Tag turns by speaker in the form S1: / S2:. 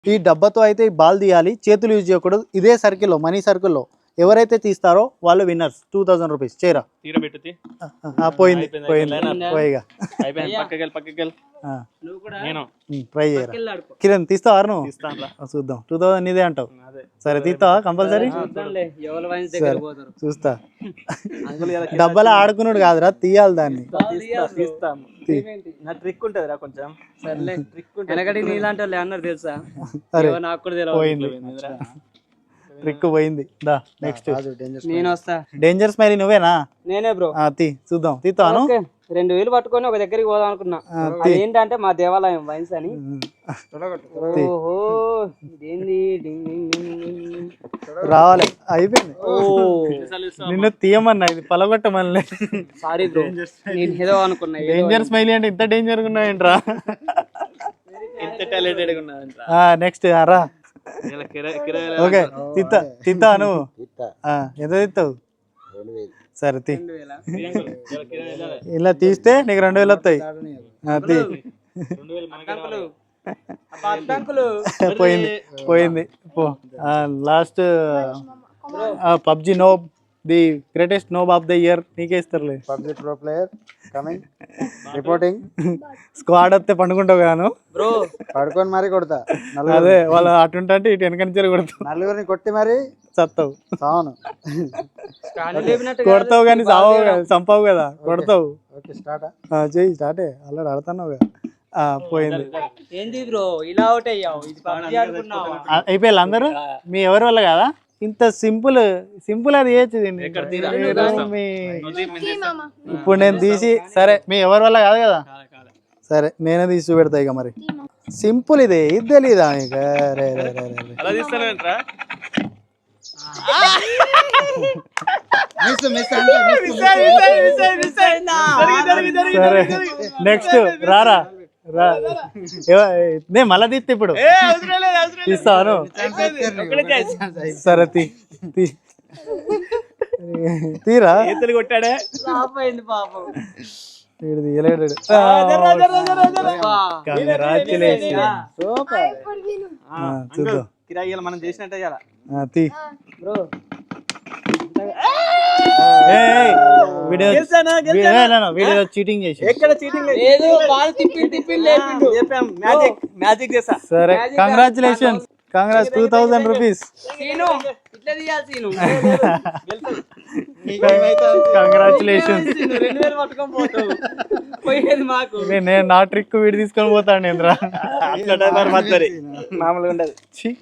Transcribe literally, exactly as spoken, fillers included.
S1: ఈ డబ్బాతో అయితే ఈ బాల్ తీయాలి, చేతులు యూజ్ చేయకూడదు. ఇదే సర్కిల్లో మనీ సర్కిల్లో ఎవరైతే తీస్తారో వాళ్ళు విన్నర్స్. టూ థౌసండ్ రూపీస్ చేరా పోయింది పోయింది పోయిగా ట్రై చేయరా. కిరణ్ తీస్తావా నువ్వు? చూద్దాం. టూ థౌసండ్ ఇదే అంటావు. సరే తీస్తావా కంపల్సరీ? చూస్తా. డబ్బాలో ఆడుకున్నాడు కాదురా, తీయాలి దాన్ని.
S2: ట్రిక్ ఉంటదిరా కొంచెం. తెలుసా?
S1: ట్రిక్ పోయింది. దా నెక్స్ట్
S3: నేను వస్తా.
S1: డేంజర్ స్మైలీ నువ్వేనా?
S3: నేనే బ్రో.
S1: తీ చూద్దాం. తీస్తాను.
S3: రెండు వేలు పట్టుకొని ఒక దగ్గరికి పోదాం అనుకున్నా. ఏంటంటే మా దేవాలయం వైన్స్ అని. ఓహో ఇదేంది
S1: రావాలి. అయిపోయింది. నిన్ను తీయమన్నా, ఇది పలగొట్టమని.
S3: సారీ బ్రో, నేను ఏదో అనుకున్నా.
S1: డేంజర్ స్మైలీ అంటే ఇంత డేంజర్ గా ఉన్నాయంట్రా.
S2: ఇంత టాలెంటెడ్ గా ఉన్నాయంట్రా.
S1: నెక్స్ట్ రా. ఓకే తిత్తా తిత్తా నువ్వు ఎంత తిత్తావు? సరే తీ. ఇలా తీస్తే నీకు రెండు వేలు వస్తాయి. తీ. పోయింది పోయింది పో. Last PUBG noob, the greatest noob of the year నీకే ఇస్తారులే.
S4: PUBG pro player coming reporting.
S1: Squad వస్తే పండుకుంటావు గాను
S3: బ్రో.
S4: పడుకొని మరి కొడతా.
S1: అదే వాళ్ళు అటుంటే ఇటు వెనక నుంచి కొడతావు.
S4: నలుగురిని కొట్టి మరి
S1: చస్తావు.
S4: అవును
S1: కొడతావు కానీ చావు చంపావు కదా, కొడతావు.
S4: ఓకే స్టార్ట్
S1: చెయ్యి. స్టార్టే అలా ఆడుతున్నావు కదా. పోయింది.
S3: ఏంది బ్రో ఇలా అవుట్ అయ్యావు?
S1: అయిపోయారు అందరూ. మీ ఎవరి వల్ల కదా ఇంత సింపుల్ సింపుల్ అది చేయొచ్చు దీన్ని. ఇప్పుడు నేను తీసి సరే మీ ఎవరి వల్ల కాదు కదా, సరే నేనే తీసి చూపెడతా ఇక. మరి సింపుల్ ఇదే, ఇది తెలీదా ఇక? సరే నెక్స్ట్ రారా రా. నే మళ్ళా తీస్తే ఇప్పుడు తీస్తాను. సరే తీ తీరా.
S2: కొట్టాడే
S1: వీడు తీయలేడు. చూద్దాం.
S2: కిరాయిలు మనం చేసినట్టే చేయాలా?
S1: తీ. వీడియో చీటింగ్ చేసి సరే congratulations. Congrats two thousand rupees. Congratulations. నేను నా ట్రిక్ వీడి తీసుకొని పోతాను. మామూలుగా ఉండదు.